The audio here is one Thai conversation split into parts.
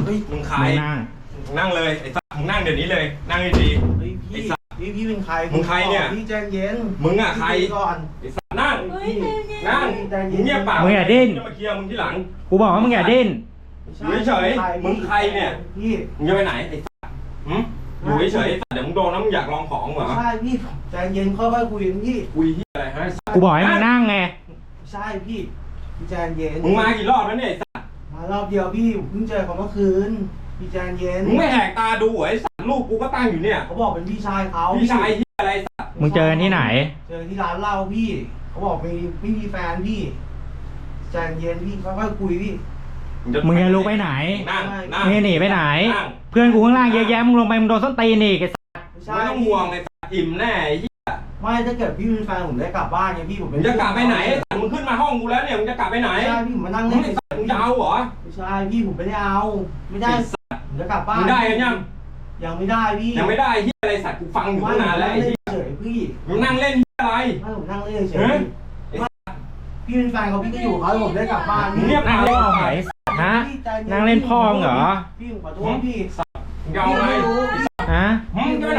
เฮ้ยมึงใครนั่งเลยไอ้สัตว์มึงนั่งเดี๋ยวนี้เลยนั่งดีเฮ้ยพี่เป็นใครมึงใครเนี่ยพี่ใจเย็นมึงอะใครก่อนไอ้สัตว์นั่งมึงเงียบปากมึงอย่าดิ้นมาเคลียร์มึงที่หลังกูบอกว่ามึงอย่าดิ้นอยู่เฉยมึงใครเนี่ยพี่มึงจะไปไหนไอ้สัตว์อยู่เฉยเดี๋ยวมึงโดนแล้วมึงอยากลองของเหรอใช่พี่ใจเย็นค่อยๆคุยกันพี่คุยที่อะไรฮะกูบอกให้มึงนั่งไงใช่พี่ใจเย็นมึงมากี่รอบแล้วเนี่ยไอ้สัตว์มารอบเดียวพี่เพิ่งเจอเขาเมื่อคืนพี่ใจเย็นมึงไม่แหกตาดูไอ้สัตว์ลูกกูก็ตั้งอยู่เนี่ยเขาบอกเป็นพี่ชายเขาพี่ชายที่อะไรสัตว์มึงเจอกันที่ไหนเจอที่ร้านเหล้าพี่เขาบอกไม่มีแฟนพี่ใจเย็นพี่ค่อยๆคุยพี่มึงจะลุกไปไหนนั่งมึงหนีไปไหนเพื่อนกูข้างล่างเยอะแยะมึงลงไปมึงโดนส้นตีนอีกไอ้สัสไม่ต้องห่วงไอ้สัตว์อิ่มแน่ไอ้เหี้ยไม่ถ้าเกิดพี่เป็นแฟนผมได้กลับบ้านไงพี่ผมมึงจะกลับไปไหนมึงขึ้นมาห้องกูแล้วเนี่ยมึงจะกลับไปไหนใช่พี่ผมมานั่งเล่นมึงจะเอาเหรอไม่ใช่พี่ผมไม่ได้เอาไม่ได้ผมจะกลับบ้านมึงได้ยังยังไม่ได้พี่ยังไม่ได้เหี้ยอะไรสัตว์กูฟังอยู่ตั้งนานแล้วไอ้เหี้ยเฉยพี่มึงนั่งเล่นเหี้ยอะไรไม่ผมนั่งเล่นเฉยพี่เป็นแฟนเขาพี่ก็อยู่เขาผมได้กลับบ้านเงียบนั่งเล่นไหนฮะนั่งเล่นพ่อมึงเหรอพี่ขอโทษพี่ยาวไงฮะมึงจะไปไหน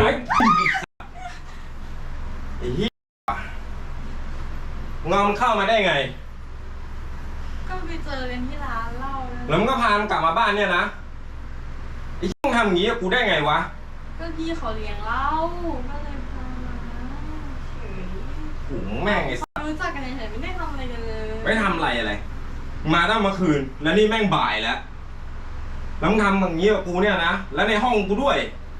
ไอ้เหี้ยงอมเข้ามาได้ไงก็ไปเจอกันที่ร้านเหล้าแล้วมึงก็พามันกลับมาบ้านเนี่ยนะไอ้เหี้ยมึงทำอย่างงี้กับกูได้ไงวะก็พี่เขาเลี้ยงเหล้าก็เลยพามาเฉยหูแม่งไอ้รู้จักกันเฉยไม่ได้ทำอะไรกันเลยไม่ทำอะไรมาตั้งเมื่อคืนแล้วนี่แม่งบ่ายแล้วแล้วมึงทำอย่างงี้กับกูเนี่ยนะแล้วในห้องกูด้วย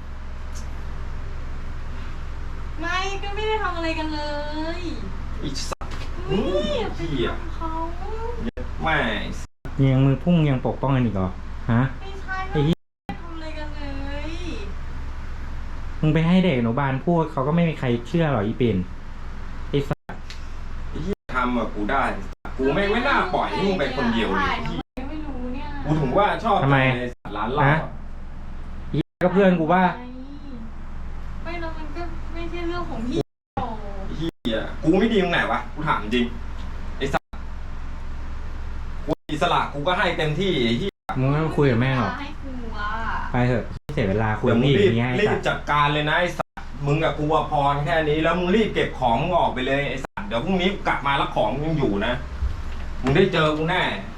ไม่ก็ไม่ได้ทำอะไรกันเลยอีสัตว์นี่ไปทำเขาแม่ยังมือพุ่งยังปกป้องกันอีกเหรอฮะไม่ใช่ไม่ได้ทำอะไรกันเลยมึงไปให้เด็กอนุบาลพูดเขาก็ไม่มีใครเชื่อหรอกอีปิ่นไอ้สัสไอ้ที่ทำอะกูได้กูไม่น่าปล่อยให้มึงไปคนเดียวเลยไม่รู้เนี่ยกูถึงว่าชอบทำไมร้านเหล้าอีก็เพื่อนกูว่าไม่แล้วมันก็ไม่ใช่เรื่องของพี่เฮียกูไม่ดีตรงไหนวะกูถามจริงไอ้สัสกูอิสระกูก็ให้เต็มที่ไอ้ที่มึงไม่คุยกับแม่หรอไปเถอะเสียเวลาคุยกับพี่อย่างเงี้ยรีบจัดการเลยนะไอ้สัสมึงกับกูพอแค่นี้แล้วมึงรีบเก็บของมึงออกไปเลยไอ้สัสเดี๋ยวพรุ่งนี้กลับมาแล้วของยังอยู่นะมึงได้เจอกูแน่